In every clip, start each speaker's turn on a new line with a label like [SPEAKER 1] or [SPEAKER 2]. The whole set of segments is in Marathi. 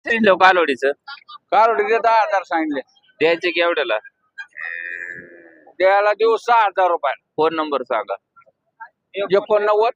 [SPEAKER 1] सांगितलं कालोडीचं
[SPEAKER 2] कारोडीचे 10,000 सांगितले.
[SPEAKER 1] द्यायचे की एवढ्याला
[SPEAKER 2] द्यायला देऊ 6,000 रुपये.
[SPEAKER 1] फोन नंबर सांगा
[SPEAKER 2] 89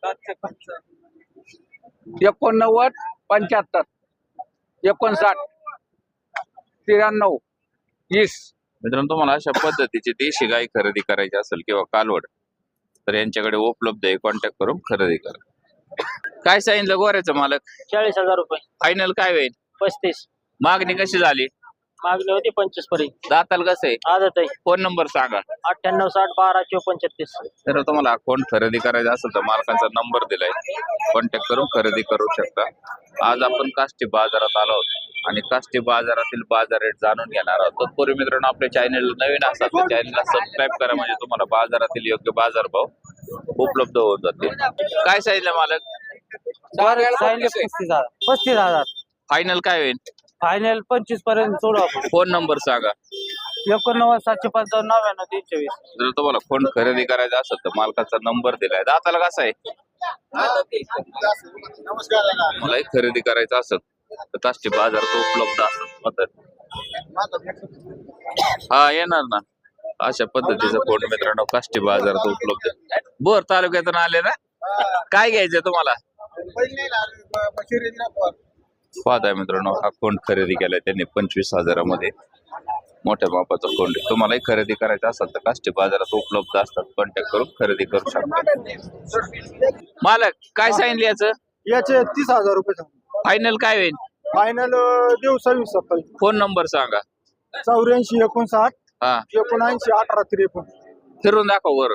[SPEAKER 2] 89 75 59 93 20.
[SPEAKER 1] मित्रांनो तुम्हाला अशा पद्धतीची देशी गाय खरेदी करायची असेल किंवा कालवड तर यांच्याकडे उपलब्ध आहे. कॉन्टॅक्ट करून खरेदी करा. काय सांगितलं गोऱ्याचं मालक
[SPEAKER 3] 40,000 रुपये.
[SPEAKER 1] फायनल काय होईल
[SPEAKER 3] 35
[SPEAKER 1] मागणी कशी झाली
[SPEAKER 3] मागणी होती 25 पर्यंत.
[SPEAKER 1] दाताल कसं आहे
[SPEAKER 3] आदत आहे.
[SPEAKER 1] फोन नंबर सांगा
[SPEAKER 3] 98 60 12 54 36.
[SPEAKER 1] तर तुम्हाला अकाउंट खरेदी करायचं असेल तर मालकांचा नंबर दिलाय कॉन्टॅक्ट करून खरेदी करू शकता. आज आपण काष्टी बाजारात आलो आहोत आणि काष्टी बाजारातील बाजार रेट जाणून घेणार आहोत. तत्पूर्वी मित्रांनो आपल्या चॅनल नवीन असाल तर चॅनलला सबस्क्राईब करा म्हणजे तुम्हाला बाजारातील योग्य बाजारभाव उपलब्ध होऊन जातील. काय सांगितलं मालक
[SPEAKER 3] 35,000
[SPEAKER 1] फायनल काय होईल
[SPEAKER 3] फायनल 25 पर्यंत सोडू आपण.
[SPEAKER 1] फोन नंबर सांगा
[SPEAKER 3] 89 755 99 320.
[SPEAKER 1] जर तुम्हाला फोन खरेदी करायचा असेल तर मालकाचा नंबर दिलाय. दाताला कसा आहे मलाही खरेदी करायचं असेल तर काष्टी बाजार तो उपलब्ध असत हा येणार ना. अशा पद्धतीचा फोन मित्रांनो काष्टी बाजार तो उपलब्ध आहे. बोर तालुक्यातून आले ना. काय घ्यायचं तुम्हाला पाहताय मित्रांनो हा फोन खरेदी केलाय त्यांनी 25,000 मध्ये. मोठ्या मापाचा फोन तुम्हालाही खरेदी करायचा असेल तर काष्टी बाजारात उपलब्ध असतात. कॉन्टॅक्ट करून खरेदी करू शकता. मालक काय सांगितलं याचं
[SPEAKER 3] याचे 30,000 रुपये.
[SPEAKER 1] फायनल काय होईल
[SPEAKER 3] फायनल देऊ 26
[SPEAKER 1] फोन नंबर सांगा
[SPEAKER 3] 84 59
[SPEAKER 1] हा
[SPEAKER 3] 79 18 53.
[SPEAKER 1] फिरून दाखव वर.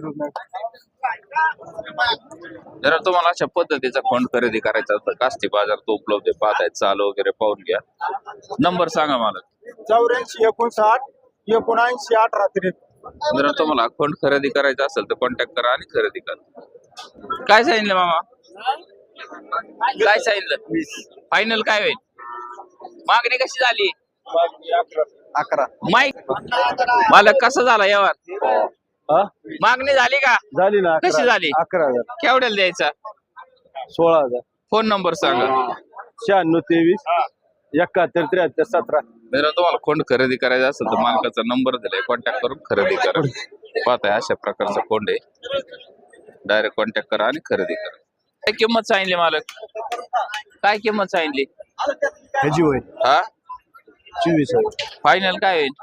[SPEAKER 1] जर तुम्हाला अशा पद्धतीचा फोन खरेदी करायचा असेल तर काष्टी बाजार तो उपलब्ध आहे. पाहताय चाल वगैरे पाहून घ्या. नंबर सांगा मला
[SPEAKER 3] 84 59 79 18 53.
[SPEAKER 1] जर तुम्हाला फोन खरेदी करायचा असेल तर कॉन्टॅक्ट करा आणि खरेदी करा. काय सांगितलं मामा काय सांगितलं फायनल काय होईल मागणी कशी झाली
[SPEAKER 3] 11
[SPEAKER 1] माईक मालक कसा झाला व्यवहार मागणी झाली का
[SPEAKER 3] झाली ना.
[SPEAKER 1] कशी झाली
[SPEAKER 3] 11,000
[SPEAKER 1] केवढ्याला द्यायचा
[SPEAKER 3] 16,000
[SPEAKER 1] फोन नंबर सांगा
[SPEAKER 3] 96 23 71 73 17.
[SPEAKER 1] जर तुम्हाला फोन खरेदी करायचा असेल तर मालकाचा नंबर दिलाय कॉन्टॅक्ट करून खरेदी करा. पाहताय अशा प्रकारचा फोन आहे. डायरेक्ट कॉन्टॅक्ट करा आणि खरेदी करा. काय किंमत सांगितली मालक काय किंमत सांगितली
[SPEAKER 3] ह्याची होईल
[SPEAKER 1] हा
[SPEAKER 3] 24,000.
[SPEAKER 1] फायनल काय होईल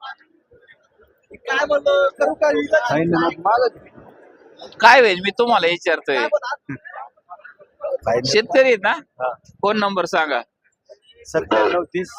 [SPEAKER 1] काय होईल मी तुम्हाला विचारतोय शेतकरी आहेत ना. फोन नंबर सांगा
[SPEAKER 3] 97 30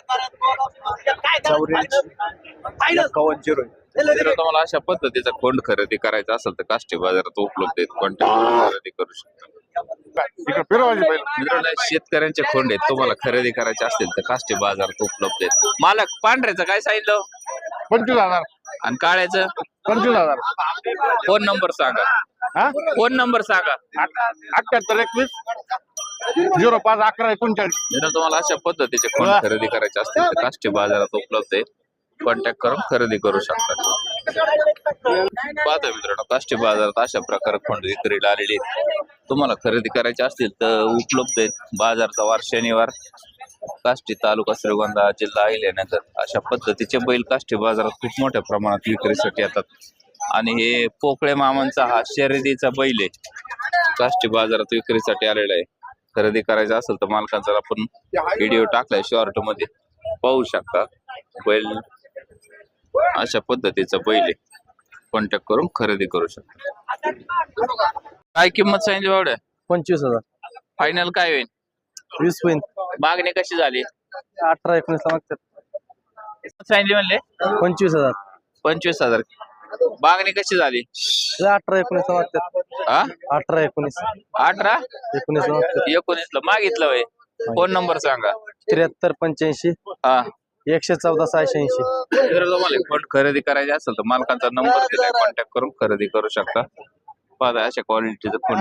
[SPEAKER 3] 84
[SPEAKER 1] जर तुम्हाला अशा पद्धतीचा फोन खरेदी करायचा असेल तर काष्टी बाजारात उपलब्ध आहेत. कॉन्टॅक्ट खरेदी करू शकता. मित्रांनो शेतकऱ्यांचे खोंड आहेत तुम्हाला खरेदी करायचे असतील तर काष्टी बाजारात उपलब्ध आहेत. मालक पांढऱ्याचं काय सांगितलं
[SPEAKER 3] 25,000
[SPEAKER 1] आणि काळ्याचं
[SPEAKER 3] 25,000.
[SPEAKER 1] फोन नंबर सांगा फोन नंबर सांगा
[SPEAKER 3] 78 21 05 11 39.
[SPEAKER 1] जर तुम्हाला अशा पद्धतीचे फोन खरेदी करायचे असतील तर काष्टी बाजारात उपलब्ध आहे. कॉन्टॅक्ट करून खरेदी करू शकता. पाहता मित्रांनो काष्टी बाजारात अशा प्रकारे खोंड विक्रीला आलेली आहेत. तुम्हाला खरेदी करायचे असतील तर उपलब्ध आहेत. बाजारचा वार शनिवार काष्टी तालुका श्रीगोंदा जिल्हा अहिल्यानगर अशा पद्धतीचे बैल काष्टी बाजारात खूप मोठ्या प्रमाणात विक्रीसाठी येतात. आणि हे पोकळे मामांचा हा शर्यतीचा बैल आहे काष्टी बाजारात विक्रीसाठी आलेला आहे. खरेदी करायचा असेल तर मालकांचा आपण व्हिडिओ टाकलाय शॉर्ट मध्ये पाहू शकता. बैल अशा पद्धतीचा बैल आहे. कॉन्टॅक्ट करून खरेदी करू शकता. काय किंमत सांगितली बावड्या
[SPEAKER 3] 25,000
[SPEAKER 1] फायनल काय होईल
[SPEAKER 3] 20 होईल.
[SPEAKER 1] मागणी कशी झाली
[SPEAKER 3] 18 19 ला मागतात.
[SPEAKER 1] सांगितली म्हणले
[SPEAKER 3] 25,000
[SPEAKER 1] 25,000 मागणी कशी झाली
[SPEAKER 3] 18 19 ला मागतात.
[SPEAKER 1] हा
[SPEAKER 3] 18 19
[SPEAKER 1] 18
[SPEAKER 3] 19 ला मागतात.
[SPEAKER 1] 19 ला मागितलं वय. फोन नंबर सांगा
[SPEAKER 3] 73 85
[SPEAKER 1] हा
[SPEAKER 3] 114 86.
[SPEAKER 1] जर तुम्हाला फोन खरेदी करायचे असेल तर मालकांचा नंबर दिलाय कॉन्टॅक्ट करून खरेदी करू शकता. पाहताय अशा क्वालिटीचं फोन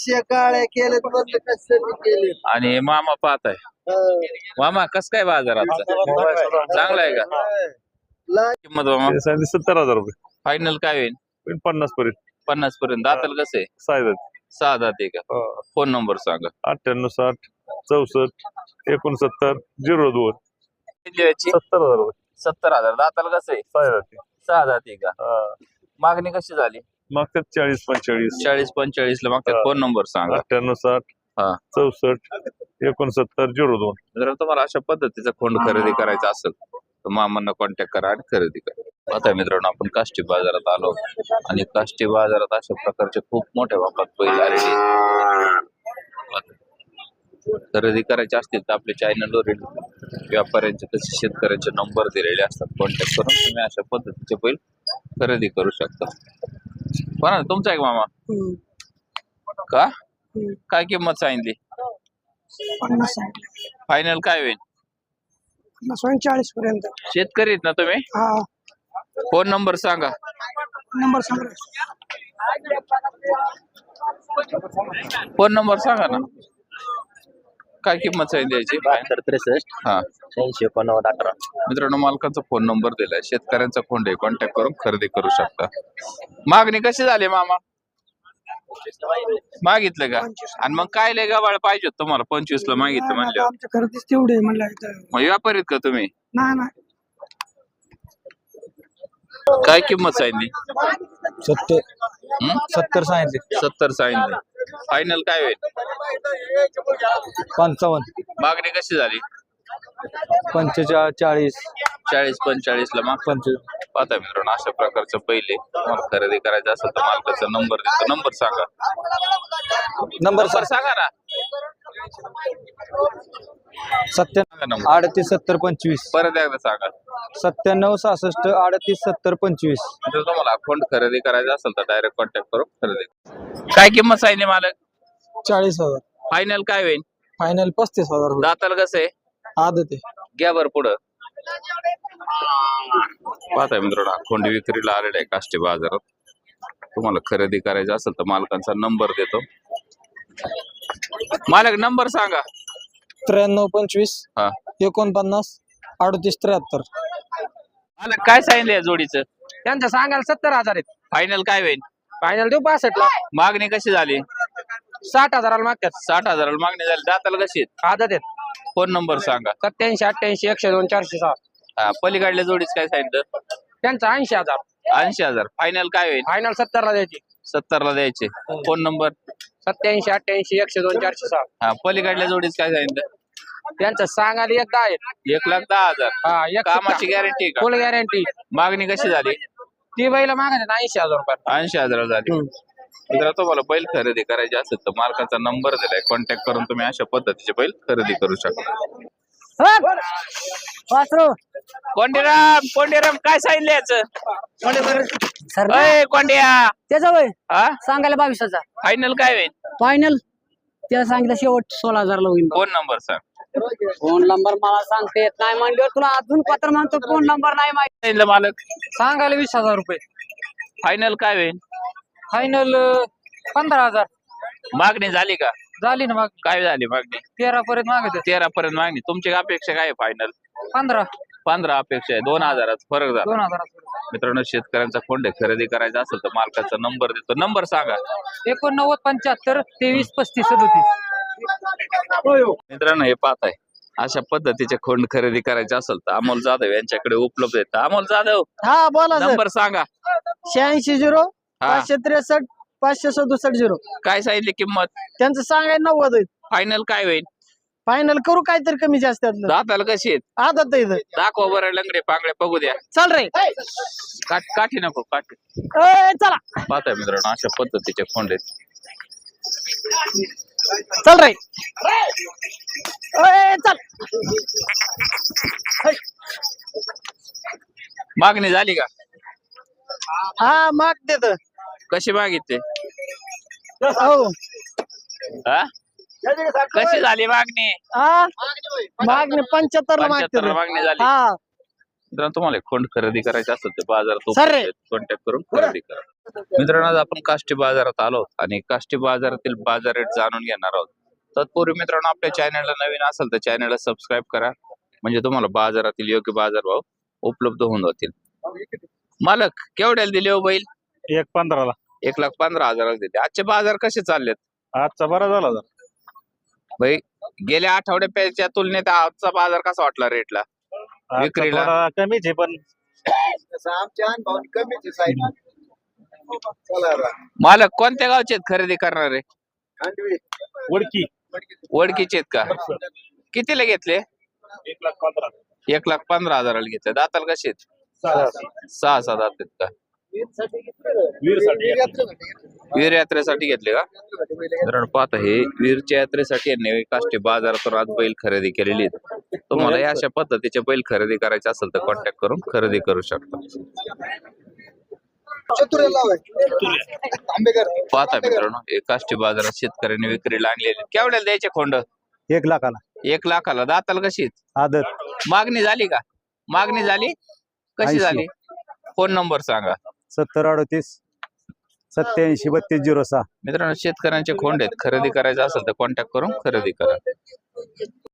[SPEAKER 1] आहे. आणि मामा पाहताय मामा कस काय बाजारात चांगला आहे का किंमत मामा
[SPEAKER 3] 70,000 रुपये.
[SPEAKER 1] फायनल काय होईल
[SPEAKER 3] 50 पर्यंत
[SPEAKER 1] 50 पर्यंत. दाताल कसं आहे
[SPEAKER 3] साहेब
[SPEAKER 1] 6 दात आहे का. फोन नंबर सांगा
[SPEAKER 3] 98 60 64 69 02
[SPEAKER 1] याची
[SPEAKER 3] 70,000 रुपये
[SPEAKER 1] 70,000 दाताला कसं आहे
[SPEAKER 3] काय जाते
[SPEAKER 1] 6 जाती का मागणी कशी झाली
[SPEAKER 3] मागतात 40 45
[SPEAKER 1] 40-45 ला मागतात
[SPEAKER 3] हा.
[SPEAKER 1] फोन नंबर सांगा
[SPEAKER 3] 98 60
[SPEAKER 1] हा
[SPEAKER 3] 64 69 02
[SPEAKER 1] जर तुम्हाला अशा पद्धतीचा खोंड खरेदी करायचा असेल तर मामांना कॉन्टॅक्ट करा आणि खरेदी करा आता मित्रांनो आपण काष्टी बाजारात आलो आणि काष्टी बाजारात अशा प्रकारचे खूप मोठ्या मापात बैल आलेले आहेत. खरेदी करायचे असतील तर आपल्या चॅनलवरील व्यापाऱ्यांचे तसे शेतकऱ्यांचे नंबर दिलेले असतात कॉन्टॅक्ट करून तुम्ही अशा पद्धतीचे बैल खरेदी करू शकता बरं तुमचा एक मामा का काय किंमत सांगितली
[SPEAKER 4] 50
[SPEAKER 1] फायनल काय होईल
[SPEAKER 4] 40 पर्यंत
[SPEAKER 1] शेतकरी आहेत ना तुम्ही
[SPEAKER 4] हा
[SPEAKER 1] फोन नंबर सांगा
[SPEAKER 4] नंबर सांगा
[SPEAKER 1] फोन नंबर सांगा ना काय किंमत सांगितली याची
[SPEAKER 3] 63
[SPEAKER 1] हा
[SPEAKER 3] 86 89 18
[SPEAKER 1] मित्रांनो मालकाचा फोन नंबर दिलाय शेतकऱ्यांचा फोन आहे कॉन्टॅक्ट करून खरेदी करू शकता मागणी कशी झाली मामा मागितलं का आणि मग काय लय गबाळ पाहिजे तुम्हाला 25 ला मागितलं म्हणलं
[SPEAKER 4] आमच्या खरेदीच तेवढे आहे म्हणलं
[SPEAKER 1] मग व्यापारीत का तुम्ही
[SPEAKER 4] नाही नाही
[SPEAKER 1] काय किंमत सांगितली
[SPEAKER 3] 70 सांगितले
[SPEAKER 1] 70 सांगितली फायनल काय होईल
[SPEAKER 3] 55
[SPEAKER 1] मागणी कशी झाली
[SPEAKER 3] 45
[SPEAKER 1] 40-45 ला माग
[SPEAKER 3] 25
[SPEAKER 1] पाहता मित्रांनो अशा प्रकारचं पहिले तुम्हाला खरेदी करायचं असेल तर मालकाचा नंबर देतो नंबर सांगा
[SPEAKER 3] नंबर
[SPEAKER 1] नंबर सांगा ना
[SPEAKER 3] 97
[SPEAKER 1] सांगा नंबर
[SPEAKER 3] 38 70 25
[SPEAKER 1] परत एकदा सांगा
[SPEAKER 3] 97 66 38 70 25
[SPEAKER 1] जर तुम्हाला अकाउंट खरेदी करायचं असेल तर डायरेक्ट कॉन्टॅक्ट करून खरेदी काय किंमत सांगितली मालक
[SPEAKER 4] 40,000
[SPEAKER 1] फायनल काय होईल
[SPEAKER 4] फायनल 35,000
[SPEAKER 1] दाताला कसं आहे
[SPEAKER 4] आदत आहे
[SPEAKER 1] घ्या बरं पुढं पाहताय मित्रांनो अकाउंट विक्रीला आलेला आहे काष्टी बाजारात तुम्हाला खरेदी करायचं असेल तर मालकांचा नंबर देतो मालक नंबर सांगा
[SPEAKER 4] 93 25
[SPEAKER 1] हा
[SPEAKER 4] 49 38 73
[SPEAKER 1] मालक काय सांगितलं या जोडीचं
[SPEAKER 4] त्यांचं सांगायला 70,000 आहेत
[SPEAKER 1] फायनल काय होईल
[SPEAKER 4] फायनल देऊ 65 ला
[SPEAKER 1] मागणी कशी झाली
[SPEAKER 4] 60,000 मागतात
[SPEAKER 1] 60,000 मागणी झाली दाताला कशी
[SPEAKER 4] आदत आहेत
[SPEAKER 1] फोन नंबर सांगा
[SPEAKER 4] 87 88 102 406
[SPEAKER 1] हा पलीकडल्या जोडीच काय सांगितलं
[SPEAKER 4] त्यांचं 80,000
[SPEAKER 1] 80,000 फायनल काय होईल
[SPEAKER 4] फायनल 70 ला द्यायची
[SPEAKER 1] 70 ला द्यायचे फोन नंबर
[SPEAKER 4] 87 88 102 406
[SPEAKER 1] हा पलीकडल्या जोडीच काय सांगितलं
[SPEAKER 4] त्यांचं सांगायला एकदा आहेत
[SPEAKER 1] 1,10,000
[SPEAKER 4] हा एक
[SPEAKER 1] कामाची गॅरंटी का
[SPEAKER 4] फुल गॅरंटी
[SPEAKER 1] मागणी कशी झाली
[SPEAKER 4] ती बैला मागायला 80,000 रुपये
[SPEAKER 1] 80,000 झाली जर तुम्हाला बैल खरेदी करायची असेल तर मालकाचा नंबर दिलाय कॉन्टॅक्ट करून तुम्ही अशा पद्धतीचे बैल खरेदी करू शकता कोंडीराम काय सांगितलं याचं कोंडिया
[SPEAKER 5] त्याचा वय
[SPEAKER 1] हा
[SPEAKER 5] सांगायला 22,000
[SPEAKER 1] फायनल काय होईल
[SPEAKER 5] फायनल त्याला सांगितलं शेवट 16,000 ला होईल
[SPEAKER 1] फोन नंबर सांग
[SPEAKER 5] फोन नंबर मला सांगता येत नाही म्हणजे तुला अजून पत्र म्हणतो फोन नंबर नाही माहिती
[SPEAKER 1] सांगितलं मालक
[SPEAKER 5] सांगायला 20,000 रुपये
[SPEAKER 1] फायनल काय होईल
[SPEAKER 5] फायनल 15,000
[SPEAKER 1] मागणी झाली का
[SPEAKER 5] झाली ना मग
[SPEAKER 1] काय झाली मागणी
[SPEAKER 5] 13 पर्यंत मागत
[SPEAKER 1] 13 पर्यंत मागणी तुमची अपेक्षा काय आहे फायनल
[SPEAKER 5] 15
[SPEAKER 1] 15 अपेक्षा आहे 2,000 फरक झाला
[SPEAKER 5] 2,000
[SPEAKER 1] मित्रांनो शेतकऱ्यांचा कोंडे खरेदी करायचा असेल तर मालकाचा नंबर देतो नंबर सांगा
[SPEAKER 5] 89 75 23 35 37
[SPEAKER 1] मित्रांनो हे पाहताय अशा पद्धतीचे खोंड खरेदी करायचे असेल तर अमोल जाधव यांच्याकडे उपलब्ध आहेत अमोल जाधव
[SPEAKER 4] हा बोला
[SPEAKER 1] नंबर सांगा
[SPEAKER 4] 86 0
[SPEAKER 1] हा
[SPEAKER 4] 563 567 0
[SPEAKER 1] काय सांगितली किंमत
[SPEAKER 4] त्यांचं सांगायला 90 आहेत
[SPEAKER 1] फायनल काय होईल
[SPEAKER 4] फायनल करू काहीतरी कमी जास्त त्यातलं
[SPEAKER 1] दाताला कशी आहेत
[SPEAKER 4] आदत आहे इथं.
[SPEAKER 1] दाखवा बरं लंगडे पांगडे बघू द्या
[SPEAKER 4] चल रे
[SPEAKER 1] काठी नको काठी
[SPEAKER 4] चला
[SPEAKER 1] पाहताय मित्रांनो अशा पद्धतीचे खोंड आहेत
[SPEAKER 4] चल रे चल
[SPEAKER 1] मागणी झाली का
[SPEAKER 4] हा माग देत
[SPEAKER 1] कशी मागितली
[SPEAKER 4] हो
[SPEAKER 1] हा कशी झाली मागणी
[SPEAKER 4] हा मागणी 75 ला
[SPEAKER 1] 75
[SPEAKER 4] मागते
[SPEAKER 1] ला मागणी झाली
[SPEAKER 4] हा
[SPEAKER 1] मित्रांनो तुम्हाला खोंड खरेदी करायची असेल तर बाजारात
[SPEAKER 4] सर रे.
[SPEAKER 1] कॉन्टॅक्ट करून खरेदी करा मित्रांनो आज आपण काष्टी बाजारात आलो आणि काष्टी बाजारातील बाजार रेट जाणून घेणार आहोत तत्पूर्वी मित्रांनो आपल्या चॅनलला नवीन असेल तर चॅनलला सबस्क्राईब करा म्हणजे तुम्हाला बाजारातील योग्य बाजारभाव उपलब्ध होऊन जातील मालक केवढ्याला दिले हो बैल
[SPEAKER 3] 1.15 ला
[SPEAKER 1] 1,15,000 दिले आजचे बाजार कसे चाललेत
[SPEAKER 3] आजचा बरा झाला
[SPEAKER 1] भाई गेल्या आठवड्याच्या तुलनेत आजचा बाजार कसा वाटला रेटला विक्रीला?
[SPEAKER 6] कमीच आहे पण
[SPEAKER 1] मालक कोणत्या गावचे आहेत खरेदी करणारे?
[SPEAKER 6] वडकी
[SPEAKER 1] वडकीचे आहेत का? कितीला घेतले? 1,15,000 घेतले. दाताला कसे आहेत? 6 दात आहेत का? वीर यात्रेसाठी घेतले का? कारण पाहता हे वीरच्या यात्रेसाठी यांनी काष्टी बाजारातून आज बैल खरेदी केलेली आहेत. तुम्हाला या अशा पद्धतीचे बैल खरेदी करायचे असेल तर कॉन्टॅक्ट करून खरेदी करू शकता. पाहता मित्रांनो हे काष्टी बाजारात शेतकऱ्यांनी विक्रीला आणलेले. केवढ्याला द्यायचे खोंड?
[SPEAKER 3] 1 लाखाला
[SPEAKER 1] 1 लाखाला. दाताला कशी आहेत?
[SPEAKER 3] आदत.
[SPEAKER 1] मागणी झाली का? मागणी झाली कशी
[SPEAKER 3] 80.
[SPEAKER 1] झाली? फोन नंबर सांगा.
[SPEAKER 3] 7038 87 3206.
[SPEAKER 1] मित्रांनो शेतकऱ्यांचे खोंड आहेत. खरेदी करायचं असेल तर कॉन्टॅक्ट करून खरेदी करा.